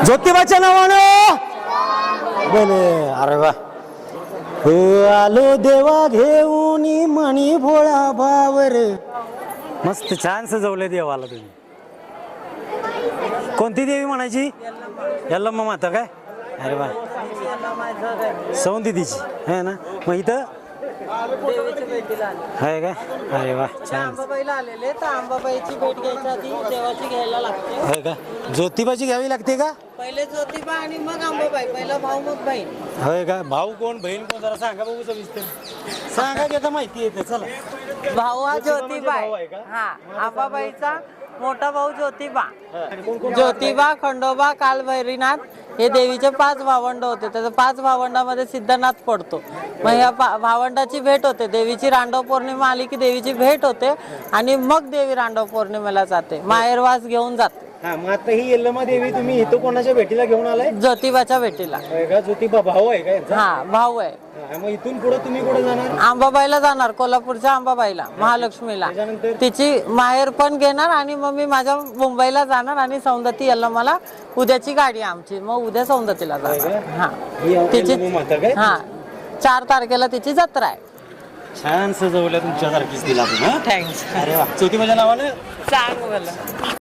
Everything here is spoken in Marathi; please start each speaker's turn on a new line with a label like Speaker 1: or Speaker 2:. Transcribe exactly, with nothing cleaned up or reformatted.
Speaker 1: ज्योतिबाच्या नावानं बोले. अरे वा. हो आलो देवा घेऊन मणी भोळा भावर. मस्त छान सजवलंय देवाला तुम्ही. कोणती देवी म्हणायची? यल्लम्मा माता काय? अरे वा. सौंदतीची आहे ना. मग इथं आहे का? अरे वा छान.
Speaker 2: अंबाबाईला आलेले तर अंबाबाईची भेट घ्यायच्या आधी देवाची घ्यायला लागते.
Speaker 1: आहे का? ज्योतिबाची घ्यावी लागते का?
Speaker 2: पहिले ज्योतिबा आणि मग अंबाबाई. पहिला भाऊ मग बहीण.
Speaker 1: होय का? भाऊ कोण बहीण कोण जरा सांगा बघू सविस्तर. सांगा की आता माहिती येते. चला.
Speaker 2: भाऊ हा ज्योतिबा
Speaker 1: भाऊ आहे
Speaker 2: आहे.
Speaker 1: का?
Speaker 2: हा अंबाबाईचा मोठा भाऊ ज्योतिबा. ज्योतिबा, खंडोबा, कालभैरीनाथ हे देवीचे पाच भावंड होते. त्याचं पाच भावंडामध्ये सिद्धनाथ पडतो. मग या भावंडाची भेट होते. देवीची रांडव पौर्णिमा आली की देवीची भेट होते आणि मग देवी रांडव पौर्णिमेला जाते. माहेरवास घेऊन जाते.
Speaker 1: हा मग आता ही यल्लमा देवी तुम्ही इथं कोणाच्या भेटीला घेऊन आलाय?
Speaker 2: ज्योतिबाच्या भेटीला.
Speaker 1: होय का? ज्योतिबा भाऊ आहे का यांचा?
Speaker 2: हा भाऊ आहे.
Speaker 1: हा, मग इथून पुढे तुम्ही कुठे जाणार?
Speaker 2: अंबाबाईला जाणार. कोल्हापूरच्या अंबाबाईला, महालक्ष्मीला.
Speaker 1: त्याच्यानंतर
Speaker 2: तिची माहेर पण घेणार आणि मग मी माझ्या मुंबईला जाणार आणि सौंदती याला मला उद्याची गाडी आमची. मग उद्या सौंदतीला जाणार. हा तिची हा चार तारखेला तिची जत्रा आहे.
Speaker 1: छान सजवल्या तुमच्यासारखीच दिला तुम्ही.
Speaker 2: थँक्स.
Speaker 1: अरे वा. ज्योतिबाच्या नावानं
Speaker 2: सांग मला.